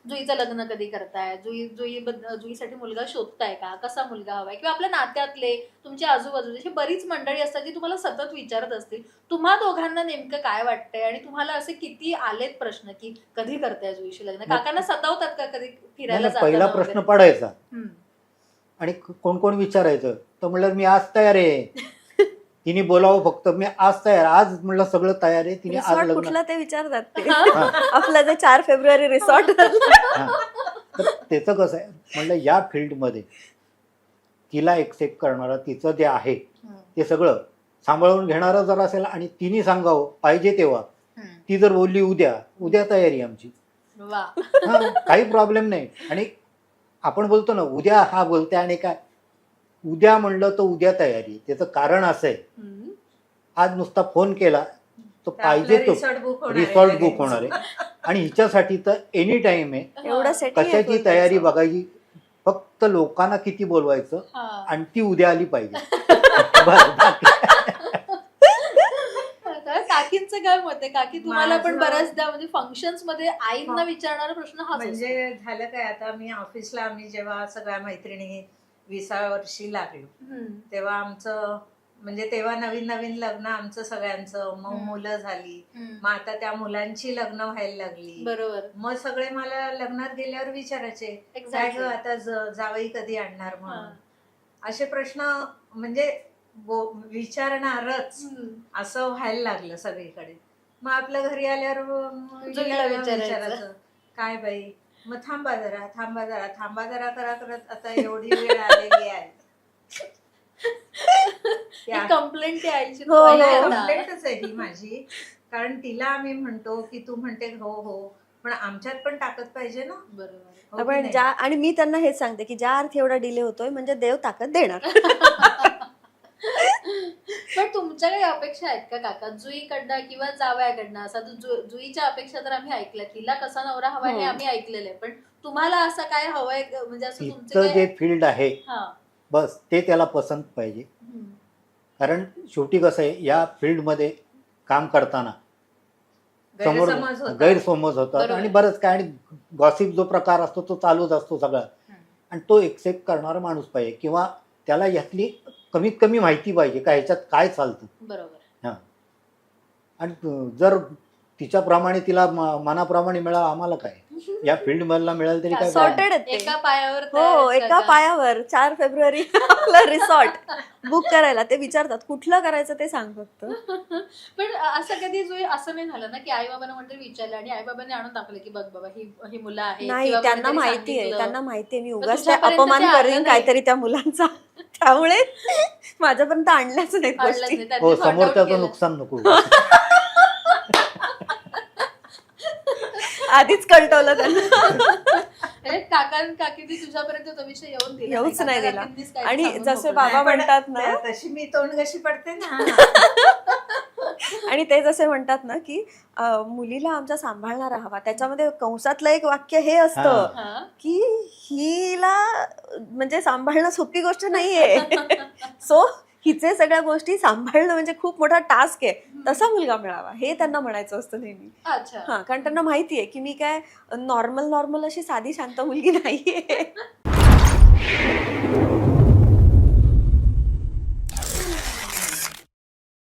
जुईचं लग्न कधी करताय, जुईसाठी मुलगा शोधताय का, कसा मुलगा हवाय, किंवा आपल्या नात्यातले तुमच्या आजूबाजूची बरीच मंडळी असतात जी तुम्हाला सतत विचारत असतील. तुम्हा दोघांना नेमकं काय वाटतंय आणि तुम्हाला असे किती आलेत प्रश्न की कधी करताय जुईशी लग्न? काकांना सतावतात का कधी फिरायला पहिला जाताना प्रश्न वगैरे? पडायचा आणि कोण कोण विचारायचं तर म्हणलं मी आज तयार आहे. तिने बोलावं फक्त, मी आज तयार, आज म्हणलं सगळं तयार आहे. तिने आज रिसॉर्ट लग्न कुठला ते विचारतात ते. हा. आपलं जे 4 फेब्रुवारी रिसॉर्ट. हा. तर त्याचं कसं आहे म्हणलं, या फील्डमध्ये तिला एक्सेप्ट करणारा, तिचं जे आहे ते सगळं सांभाळून घेणारं जर असेल आणि तिने सांगावं पाहिजे तेव्हा, ती जर बोलली उद्या तयारी आमची. वा. हा, काही प्रॉब्लेम नाही. आणि आपण बोलतो ना उद्या, हा बोलते आणि काय उद्या म्हणलं तर उद्या तयारी. त्याचं कारण असं आहे, आज नुसता फोन केला तर पाहिजे तो रिसॉर्ट बुक होणार आहे. आणि हिच्यासाठी तर एनी टाइम आहे. एवढं setting आहे कशाची तयारी बघायची, फक्त लोकांना किती बोलवायचं हा. आणि ती उद्या आली पाहिजे. बस. काकींचं काय मत आहे? काकी तुम्हाला पण माझं- बऱ्याचदा म्हणजे फंक्शन्स मध्ये आईंना विचारणारा प्रश्न हाच असतो. म्हणजे झालं काय, आता मी ऑफिसला, आम्ही जेव्हा सगळ्या मैत्रिणी 20व्या वर्षी लागलो तेव्हा आमचं म्हणजे तेव्हा नवीन नवीन लग्न आमचं सगळ्यांचं, मग मुलं झाली, मग आता त्या मुलांची लग्न व्हायला लागली. बरोबर. मग सगळे मला लग्नात गेल्यावर विचारायचे काय Exactly. ग आता जावई कधी आणणार म्हणून. असे प्रश्न म्हणजे विचारणारच असं व्हायला लागलं सगळीकडे. मग आपल्या घरी आल्यावर जुईला विचारायचं. विचारायचं काय बाई, मग थांबा जरा करा करत आता एवढी वेळ आलेली आहे. कंप्लेंट आईची हो, हो. कंप्लेंटच आहे ही माझी. कारण तिला आम्ही म्हणतो की तू म्हणते हो हो, पण आमच्यात पण ताकद पाहिजे ना. बरोबर. हो की आपण नाही? आणि मी त्यांना हेच सांगते की ज्या अर्थी एवढा डिले होतोय म्हणजे देव ताकद देणार. पण तुमच्या काही अपेक्षा आहेत का काका जुईकडनं किंवा जावयाकडनं? असं जुईच्या अपेक्षा तर आम्ही ऐकल्या, तिला कसा नवरा हवा हे आम्ही ऐकलेलं आहे, पण तुम्हाला असं काय हवंय म्हणजे असं तुमचं तिचं जे काय? फील्ड आहे हा. बस ते त्याला पसंत पाहिजे. कारण शेवटी कसं आहे, या फील्डमध्ये काम करताना समोर गैरसमज होतात. गैरसमज होतात बरोबर. आणि बरंच काय, आणि गॉसिप जो प्रकार असतो तो चालूच असतो सगळा. आणि तो एक्सेप्ट करणारा माणूस पाहिजे, किंवा त्याला यातली कमीत कमी माहिती पाहिजे का ह्याच्यात काय चालतं. बरोबर. हां. आणि जर तिच्याप्रमाणे तिला मनाप्रमाणे मिळालं, आम्हाला काय या फील्ड मधला मिळालं तरी काय problem. सॉर्टेड आहेत एका पायावर हो, तयार आहेत एका काका. पायावर 4 फेब्रुवारी आपलं रिसॉर्ट बुक करायला. ते विचारतात कुठलं करायचं ते सांग फक्त. पण असं कधी जुई असं नाही झालं ना की आई बाबांना म्हणते विचारलं आणि आई बाबांनी आणून टाकलं की बघ बाबा ही मुलं आहेत, नाही, किंवा त्यांना कोणीतरी माहिती आहे, सांगितलं. त्यांना माहिती आहे मी पण उगाच तुझ्यापर्यंत अपमान ते आलं करीन नाही. काहीतरी त्या मुलांचा. त्यामुळे माझ्यापर्यंत आणल्याच नाही आणलंच गोष्टी. नाही, त्यांनी हो, sort out समोरच्याचं केलं. नुकसान नको. आधीच कळटवलं त्यांना. म्हणजे काकींनी तुझ्यापर्यंत तो विषय येऊन दिला येऊच नाही दिला. काकींनीच काही आणि सांगून जसे मोकळं. बाबा नाही, पण म्हणतात ना, तशी मी तोंड कशी पडते ना. आणि ते जसे म्हणतात ना की मुलीला आमच्या सांभाळणारा हवा, त्याच्यामध्ये कंसातलं एक वाक्य हे असतं हा. की हिला म्हणजे सांभाळणं सोपी गोष्ट नाहीये. सो हिचे सगळ्या गोष्टी सांभाळणं म्हणजे खूप मोठा टास्क आहे. तसा मुलगा मिळावा हे त्यांना म्हणायचं असतं नेहमी. अच्छा. हा, कारण त्यांना माहितीये की मी काय नॉर्मल अशी साधी शांत मुलगी नाहीये.